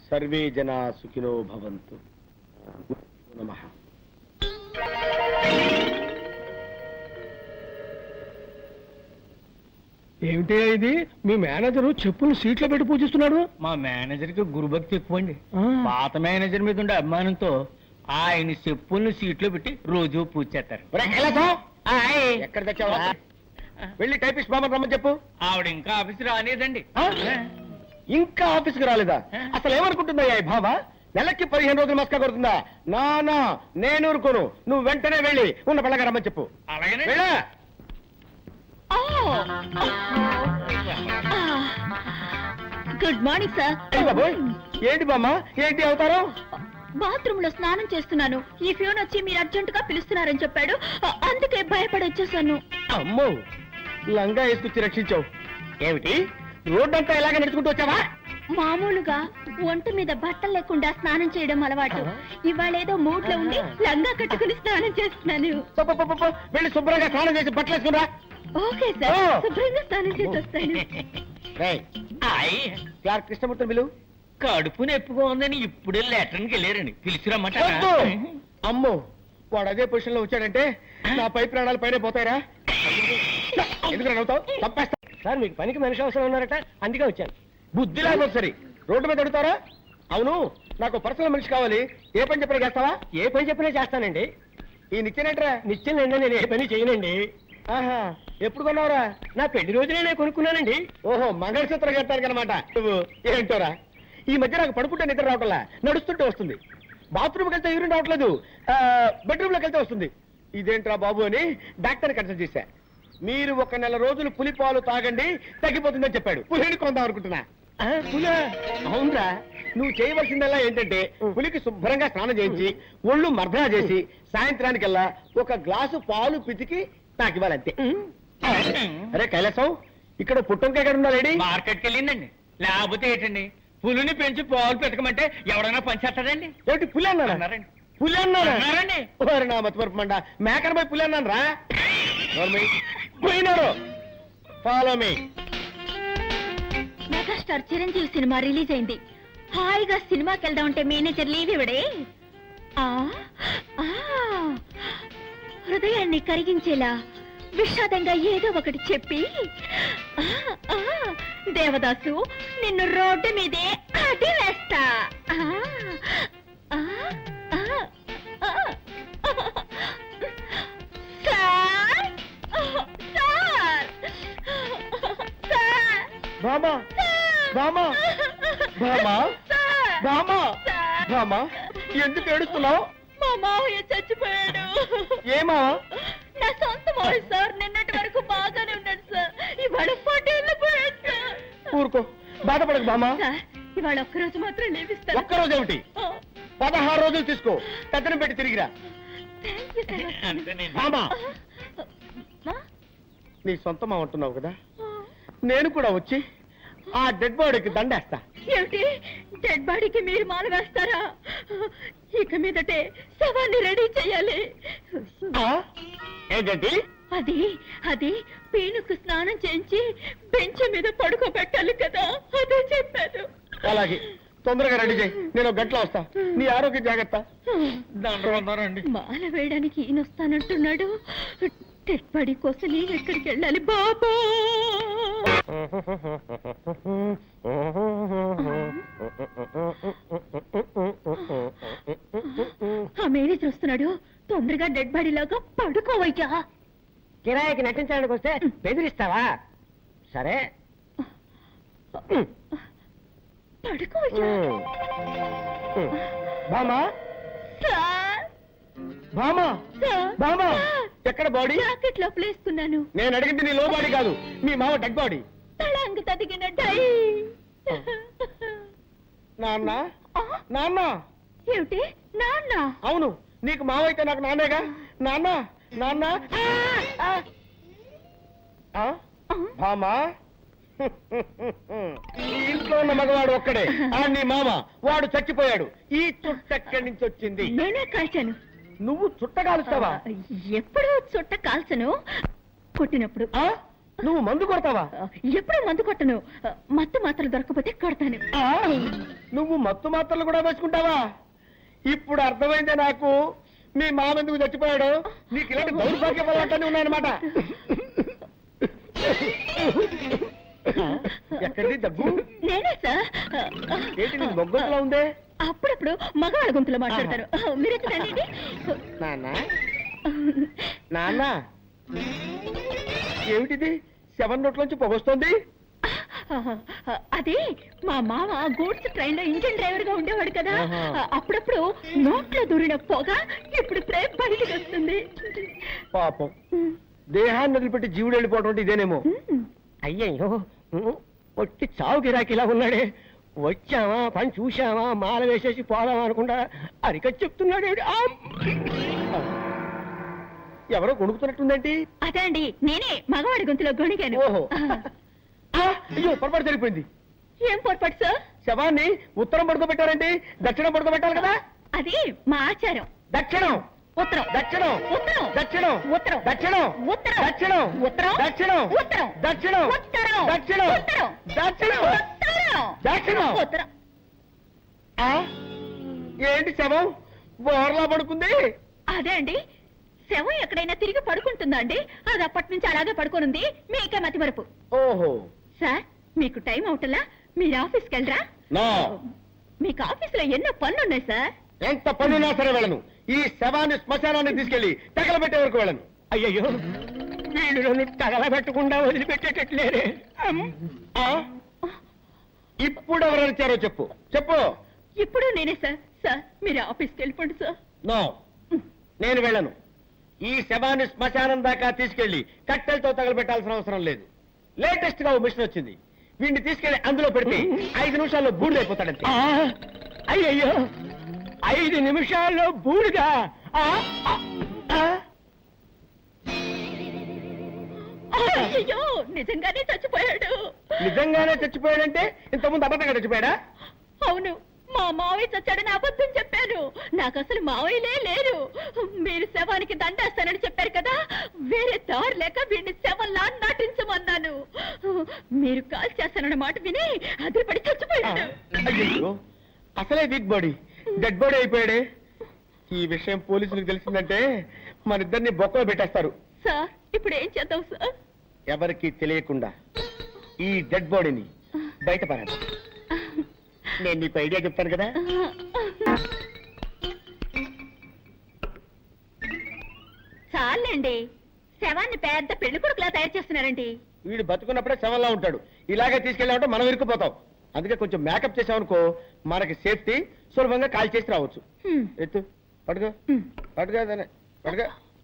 Survey జనా సుఖినో భవంతు. నమః. ఏమిటి ఇది? మీ మేనేజర్ చెప్పులు సీట్లో పెట్టి పూజిస్తున్నాడు. మా మేనేజర్ కి గురుభక్తి ఎక్కువ అండి. పాత మేనేజర్ మీద ఉండే అభిమానంతో ఆయన చెప్పుల్ని సీట్లో పెట్టి రోజు పూజ చేస్తారు. ఎక్కడ తెచ్చావా? వెళ్ళి టైపిస్ట్ బాబు రమ్మని చెప్పు. ఆవిడ ఇంకా ఆఫీస్ రాలేదండి. ఇంకా ఆఫీస్కి రాలేదా? అసలు ఏమనుకుంటుందా ఈ భావ? నెలకి 15 రోజులు మస్కా కొడుతుందా? నా నేను ఊరుకోను. నువ్వు వెంటనే వెళ్ళి ఉన్న పళ్ళగా రమ్మని చెప్పు. అలాగే గుడ్ మార్నింగ్ సార్. బాబోయ్, ఏంటి బామ్మ, ఏంటి అవుతారు? బాత్రూమ్ లో స్నానం చేస్తున్నాను. ఈ ఫ్యూన్ వచ్చి మీరు అర్జెంట్ గా పిలుస్తున్నారని చెప్పాడు, అందుకే భయపడి వచ్చేసాను. అమ్మో, లంగా వేసుకొచ్చి రక్షించావు. ఏమిటి రోడ్డంతా ఇలాగే నడుచుకుంటూ వచ్చావా? మామూలుగా ఒంటి మీద బట్టలు లేకుండా స్నానం చేయడం అలవాటు. ఇవాళ ఏదో మూడ్ లో ఉండి లంగా కట్టుకుని స్నానం చేస్తున్నాను. వెళ్ళి శుభ్రంగా స్నానం చేసి బట్టలు వేసుకురా. ఓకే సార్, శుభ్రంగా స్నానం చేసి వస్తాను. క్లార్క్ కృష్ణమూర్తి బిలు. కడుపు నొప్పిగా ఉందని ఇప్పుడే లెటర్కి వెళ్ళారండి. పిలిచిరమ్మాట. అమ్మో, వాడు అదే పొజిషన్ లో వచ్చాడంటే నా పై ప్రాణాలు పైన పోతాయిరా. ఎందుకు నవ్వుతావు? తప్పేస్తా సార్, మీకు పనికి మనిషి అవసరం ఉన్నారట, అందుకే వచ్చాను. బుద్ధి లేకపోతే సరే రోడ్డు మీద అడుగుతారా? అవును, నాకు పర్సనల్ మనిషి కావాలి. ఏ పని చెప్పినా చేస్తావా? ఏ పని చెప్పినా చేస్తానండి. ఈ నిత్యనేట్రా? నిత్యం నేను ఏ పని చేయనండి. ఆహా, ఎప్పుడు కొన్నావురా? నా పెళ్లి రోజునే నేను కొనుక్కున్నానండి. ఓహో, మంగళసూత్రం కట్టాను అనమాట. నువ్వు ఏంటోరా, ఈ మధ్య నాకు పడుకుంటే నిద్ర రావట్లా, నడుస్తుంటే వస్తుంది. బాత్రూమ్కి వెళ్తే యూరిన్ రావట్లేదు, బెడ్రూమ్ లోకి వెళ్తే వస్తుంది. ఇదేంట్రా బాబు అని డాక్టర్ని కన్సల్ట్ చేశా. మీరు 1 నెల రోజులు పులిపాలు తాగండి, తగ్గిపోతుందని చెప్పాడు. పులిని కొందాం అనుకుంటున్నా. పులా? అవునరా, నువ్వు చేయవలసిందల్లా ఏంటంటే పులికి శుభ్రంగా స్నానం చేయించి ఒళ్ళు మర్దనా చేసి సాయంత్రానికల్లా 1 గ్లాసు పాలు పితికి నాకు ఇవ్వాలంతే. అరే కైలాసం, ఇక్కడ పుట్టంకాయ ఎక్కడ ఉందా లేడీ? మార్కెట్కి వెళ్ళిందండి. లేకపోతే ఏంటండి, పులిని పెంచి పాలు పెట్టకమంటే ఎవడైనా పంచేస్తాడండి. ఏమిటి పులి అన్నారండి? పులి అన్నారండి? నా మతిమరుపు మండ, మేకర్ పోయి పులి అన్నాను రా. పోయినారు. Follow me. మెగాస్టార్ చిరంజీవి సినిమా రిలీజ్ అయింది. హాయిగా సినిమాకి వెళ్దాం అంటే మేనేజర్ లీవ్ ఇవ్వడే. హృదయాన్ని కరిగించేలా విషాదంగా ఏదో ఒకటి చెప్పి, దేవదాసు నిన్ను రోడ్డు మీదే అడి వేస్తా. బామా, బామా, బామా, బామా, బామా, ఎందుకు ఏడుస్తున్నావు? మా మావయ్య చచ్చిపోయాడు. ఏమా? నా సొంత మావయ్య సార్. నిన్నటి వరకు బాగానే ఉన్నాడు సార్, ఇవాళ పటేళ్ళు పోయాడు సార్. ఊరుకో, బాధపడకు బామా. ఇవాళ ఒక్కరోజు మాత్రం లేవిస్తాను. ఒక్కరోజు ఏమిటి, 16 రోజులు తీసుకో. పెద్దను పెట్టి తిరిగిరా. బామా, నీ సొంత మా అంటున్నావు కదా, నేను కూడా వచ్చి ఆ డెడ్ బాడీకి దండేస్తా. ఏమిటి, డెడ్ బాడీకి మీరు మాల వేస్తారా? ఇక మీదటే శవాన్ని రెడీ చెయ్యాలి. ఏంటండి అది? అది పీనుకు స్నానం చేయించి బెంచ్ మీద పడుకోబెట్టాలి కదా, అదే చెప్పాను. అలాగే, తొందరగా రెడీ చేయి, నేను 1 గంటలో వస్తా. నీ ఆరోగ్యం జాగ్రత్త. మాల వేయడానికి ఈయన వస్తానంటున్నాడు. డెడ్ బాడీ కోసం నేను ఎక్కడికి వెళ్ళాలి బాబా? ఆ మేనేజర్ వస్తున్నాడు, తొందరగా డెడ్ బాడీ లాగా పడుకోవయ్యా. కిరాయికి నటించడానికి వస్తే బెదిరిస్తావా? సరే పడుకోవయ్యా. బామా, బామా, బామా, ఎక్కడ బాడీ? జాకెట్ లోపల వేసుకున్నాను. నేను అడిగింది నీ లో బాడీ కాదు, మీ మామ డెడ్ బాడీ. తళంగు తదిగిన డై. నాన్న, నాన్న. ఏమిటి నాన్న? అవును, నీకు మావైతే నాకు నాన్నేగా. నాన్న, నాన్న. బామా, ఈ ఇంట్లో ఉన్న మగవాడు ఒక్కడే, నీ మామ. వాడు చచ్చిపోయాడు. ఈ చుట్ట ఎక్కడి నుంచి వచ్చింది? నేనే కాల్చాను. నువ్వు చుట్ట కాలుస్తావా? ఎప్పుడు చుట్ట కాల్చను, కొట్టినప్పుడు. నువ్వు మందు కొడతావా? ఎప్పుడు మందు కొట్టను. మత్తు మాత్రలు దొరకపోతే కొడతాను. నువ్వు మత్తు మాత్రలు కూడా వేసుకుంటావా? ఇప్పుడు అర్థమైందే నాకు మీ మామ ఎందుకు చచ్చిపోయాడు. నీకు ఇలాంటి దౌర్భాగ్య పదార్థాన్ని ఉన్నాయన్నమాట. ఎక్కడిది దగ్గు? నేనే సార్. ఏంటి నీ బొగ్గలా ఉందే? అప్పుడప్పుడు మగవాళ్ళ గొంతులో మాట్లాడతారు. మీరెందుకండి? నాన్న నాన్న ఏమిటిది? 7 నోట్లోంచి పొగొస్తోంది. అది మా మామ గూడ్స్ ట్రైన్ లో ఇంజిన్ డ్రైవర్ గా ఉండేవాడు కదా. అప్పుడప్పుడు నోట్లో దూరిన పొగ ఇప్పుడు ప్రేమ బయటికి వస్తుంది. పాపం దేహాన్ని వదిలిపెట్టి జీవుడు వెళ్ళిపోవడం అంటే ఇదేనేమో. అయ్యయ్యో ఒట్టి చావు గిరాకిలా ఉన్నాడే. వచ్చావా పని చూశావా మాల వేసేసి పోదామా అనుకుంటా అరికట్ చెప్తున్నాడు. ఎవరో కొనుక్కుతున్నట్టుందేంటి? అదే అండి, నేనే మగవాడి గొంతులో గొణిగాను. ఓహో. అయ్యో పొరపాటు జరిగిపోయింది. ఏం పొరపాటు సార్? శవాన్ని ఉత్తరం పడుకోబెట్టారండి, దక్షిణం పడుకోబెట్టాలి కదా. అది మా ఆచారం. దక్షిణం ఉత్తరం దక్షిణం ఉత్తరం దక్షిణం ఉత్తరం దక్షిణం ఉత్తరం దక్షిణం ఉత్తరం దక్షిణం ఉత్తరం దక్షిణం ఉత్తరం దక్షిణం ఉత్తరం దక్షిణం ఉత్తరం దక్షిణం. ఉత్తరం. ఏంటి శవం బోర్లా పడుకుంది? అదే అండి, శవం ఎక్కడైనా తిరిగి పడుకుంటుందా అండి? అది అప్పటి నుంచి అలాగే పడుకోనుంది. మీకే మతి మరపు. ఓహో. సార్ మీకు టైం అవుటలా మీరు ఆఫీస్కి వెళ్ళరా? నో. మీకు ఆఫీసులో ఎన్నో పనులున్నాయి సార్. ఎంత పనున్నా సరే వెళ్ళను. ఈ శవాన్ని శ్మశానాన్ని తీసుకెళ్లి తగలబెట్టే వరకు వెళ్ళను. అయ్యయ్యో వీళ్ళు నన్ను తగలబెట్టకుండా వదిలిపెట్టేటట్లేరే. ఇప్పుడు ఎవరు వచ్చారో చెప్పు చెప్పు. ఇప్పుడు నేనే సార్. సార్ మీరు ఆఫీస్కి వెళ్ళిపోండి సార్. నో, నేను వెళ్ళను. ఈ శవాన్ని శ్మశానం దాకా తీసుకెళ్లి కట్టెలతో తగలబెట్టాల్సిన అవసరం లేదు. లేటెస్ట్ గా ఓ మిషన్ వచ్చింది. వీడిని తీసుకెళ్లి అందులో పెడితే 5 నిమిషాల్లో బూడిదైపోతాడంతే. అయ్యయ్యో 5 నిమిషాల్లో బూడిదా? అయ్యో నిజంగానే చచ్చిపోయాడు. నిజంగానే చచ్చిపోయాడంటే ఇంతకుముందు అబద్ధంగా చచ్చిపోయాడా? అవును, మా మావయ్య చచ్చాడని అబద్ధం చెప్పాను. నాకు అసలు మావయ్యలే లేరు. మీరు శవానికి దండేస్తానని చెప్పారు కదా, వేరే దారి లేక వీడిని శవంలా నటించమన్నాను. మీరు కాల్ చేస్తానన్న మాట విని అదిరిపడి చచ్చిపోయాడు. అయ్యో అసలే వీక్ బాడీ డెడ్ బాడీ అయిపోయాడే. ఈ విషయం పోలీసులకు తెలిసిందంటే మన ఇద్దరిని బొక్కలో పెట్టేస్తారు. సార్ ఇప్పుడు ఏం చేద్దాం సార్? ఎవరికి తెలియకుండా ఈ డెడ్ బాడీని బయటపడాలి. నేను నీకు ఐడియా చెప్తాను కదా. చాలండి, శవాన్ని పెద్ద పెళ్లి కొడుకులా తయారు చేస్తున్నారండి. వీడు బతుకున్నప్పుడే శవంలా ఉంటాడు. ఇలాగే తీసుకెళ్ళామంటే మనం ఇరుక్కుపోతాం. అందుకే కొంచెం మేకప్ చేసామనుకో మనకి సేఫ్టీ, సులభంగా కాల్ చేసి రావచ్చు. ఎత్తు పడుకో పడుకో పడుకో.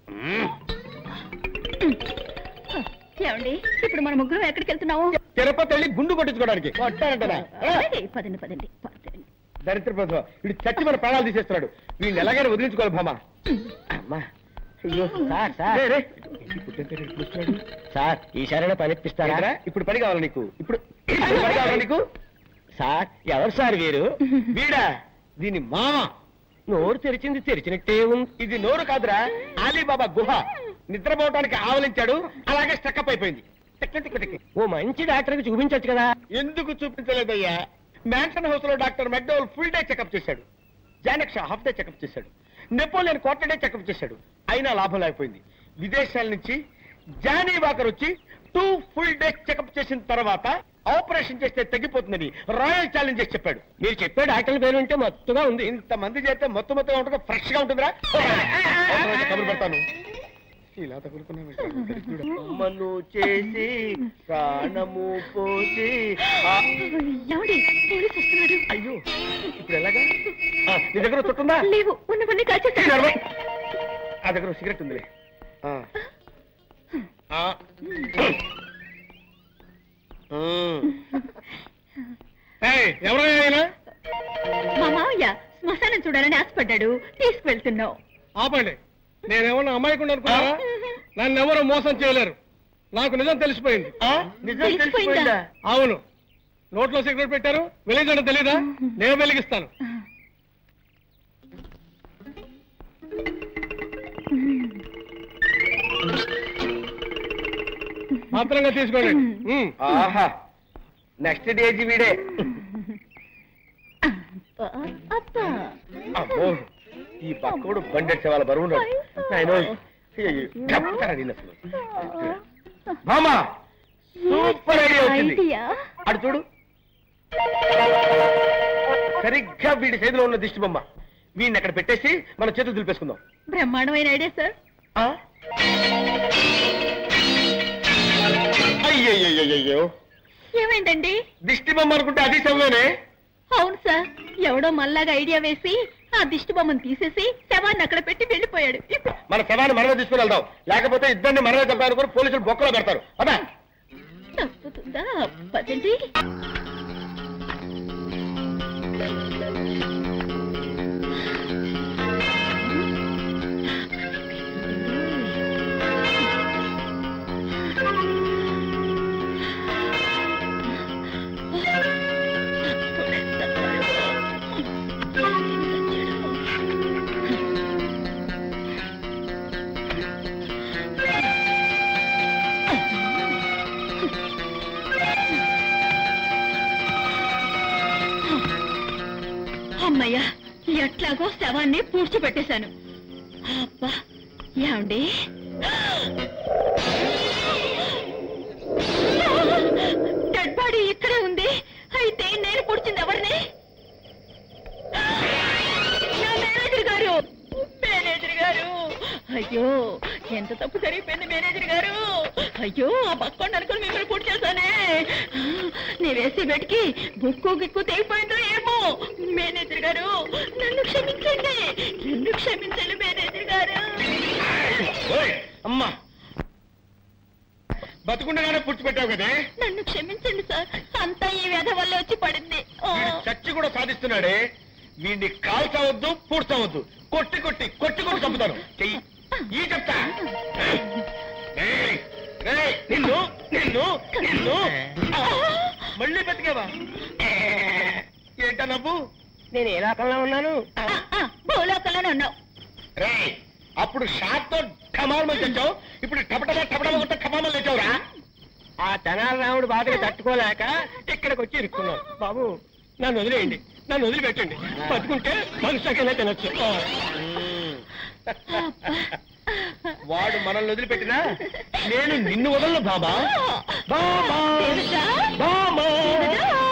ఏమండి ఇప్పుడు మన ముగ్గురు ఎక్కడికి వెళ్తున్నాము? తిరుపతి వెళ్ళి గుండు కొట్టించుకోవడానికి. కొట్టానంటనా? పదండి పదండి పదండి. దరిద్ర ప్రభుత్వం వీడు చచ్చి మన ప్రాణాలు తీసేస్తున్నాడు. వీడిని ఎలాగైనా వదిలించుకోవాలి భామా. అమ్మా అయ్యో సార్ ఈసారైనా పని ఇప్పిస్తారా? ఇప్పుడు పని కావాలి నీకు. ఇప్పుడు పని కావాలి నీకు. సార్ ఎవరు సార్ వీరు? వీడా దీని మామ. నోరు తెరిచింది తెరిచినట్టే ఉంది. ఇది నోరు కాదురా, అలీబాబా గుహ. నిద్రపోవటానికి ఆవలించాడు, అలాగే స్టక్అప్ అయిపోయింది. ఓ మంచి డాక్టర్ కి చూపించచ్చు కదా. ఎందుకు చూపించలేదయ్యా? మ్యాన్షన్ హౌస్ లో doctor McDowell full day checkup చేశాడు. Janak Shah half day checkup చేశాడు. నెపోలియన్ క్వార్టర్ డే చెకప్ చేశాడు. అయినా లాభం లేకపోయింది. విదేశాల నుంచి జానీ వాకర్ వచ్చి 2 ఫుల్ డే చెకప్ చేసిన తర్వాత ఆపరేషన్ చేస్తే తగ్గిపోతుందని రాయల్ ఛాలెంజ్ చేసి చెప్పాడు. మీరు చెప్పే డాక్టర్ పేరు అంటే మత్తుగా ఉంది. ఇంతమంది చేస్తే మొత్తుగా ఉంటుంది, ఫ్రెష్ గా ఉంటుందిరా. కబురు పెడతాను. ఇలా తగులుకున్నాను చేసి ప్రాణము పోసి. అయ్యో ఇప్పుడు ఎలాగా? నీ దగ్గర చుట్టుందా? లేవు, ఉన్నవన్నీ కాల్చేస్తాను. ఆ దగ్గర సిగరెట్ ఉందిలే. ఎవరైనా మా మావయ్య శ్మశానం చూడాలని ఆశపడ్డాడు, తీసుకువెళ్తున్నావు. ఆపండి. నేనేమన్నా అమ్మాయికుండా అనుకున్నారా? నన్ను ఎవరు మోసం చేయలేరు. నాకు నిజం తెలిసిపోయింది. నిజం తెలిసిపోయిందా? అవును, నోట్లో సిగరెట్ పెట్టారు, వెలిగించడం తెలీదా? నేను వెలిగిస్తాను. మాత్రంగా తీసుకోండి ఆహా నెక్స్ట్ డేజీ వీడే. అబ్బా అమ్మో ఈ పక్కడు బండెట్టే వాళ్ళ బరువు ఉన్నాడు. నాయనో, చెప్తారా నేను అసలు. మామా సూపర్ ఐడియా వచ్చింది. అటు చూడు, సరిగ్గా వీడి సైజులో ఉన్న దిష్టి బొమ్మ. వీడిని అక్కడ పెట్టేసి మన చేతులు దులిపేసుకుందాం. బ్రహ్మాండమైన ఐడియా సార్. అయ్యయ్యో, ఏమైందండి? దిష్టి బొమ్మ అనుకుంటే అది శవమేనే. అవును సార్, ఎవడో మళ్ళాగా ఐడియా వేసి ఆ దిష్టి బొమ్మను తీసేసి శవాన్ని అక్కడ పెట్టి వెళ్ళిపోయాడు. మన శవాన్ని మనమే తీసుకుని వెళ్దాం, లేకపోతే ఇద్దరిని మనమే చంపాలనుకుని పోలీసులు బొక్కలో పెడతారు. అదా తప్పుతుందా? పదండి. అమ్మయ్యా, ఎట్లాగో శవాన్ని పూడ్చిపెట్టేశాను. అబ్బా, ఏమండి డెడ్ బాడీ ఇక్కడే ఉంది. అయితే నేను పూడ్చింది ఎవరిని? నా మేనేజర్ గారు. మేనేజర్ గారు, అయ్యో ఎంత తప్పు జరిగిపోయింది మేనేజర్ గారు. అయ్యో, ఆ పక్కండి అనుకుని మిమ్మల్ని పూర్తి చేశానే. నీ వేసి బెట్కి బుక్కు గిక్కు తెగిపోయిందో ఏమో. మేనేజర్ గారు, నన్ను క్షమించండి, నన్ను క్షమించండి మేనేజర్ గారు. అమ్మా, బతుకుండగానే పుచ్చిపెట్టావు కదే. నన్ను క్షమించండి సార్, అంతా ఈ వ్యధ వల్ల వచ్చి పడింది. చచ్చి కూడా సాధిస్తున్నాడే. వీడిని కాల్చవద్దు, పూడ్చవద్దు, కొట్టి కొట్టి కొట్టి కొట్టి చంపుతాను. చెయ్యి ఈ చెప్తా. నిన్ను నిన్ను నిన్ను మళ్ళీ బతికేవా? ఏంటా నవ్వు? నేను ఏ లోకంలో ఉన్నాను? భూలోకంలోనే ఉన్నావు. రే, అప్పుడు షాట్ తో ఠమాల్మని తెచ్చావు, ఇప్పుడు టపటమా టపటమా కొట్ట ఠమామని తెచ్చావురా. ఆ తెనాలి రాముడు బాధకి తట్టుకోలేక ఇక్కడికి వచ్చి ఇరుక్కున్నాను. బాబు నన్ను వదిలేయండి, నన్ను వదిలిపెట్టండి. బతుకుంటే మనుషులకైనా తినొచ్చు. వాడు మనల్ని వదిలిపెట్టినా నేను నిన్ను వదలను బాబా. బాబా దేవతా, బాబా దేవతా.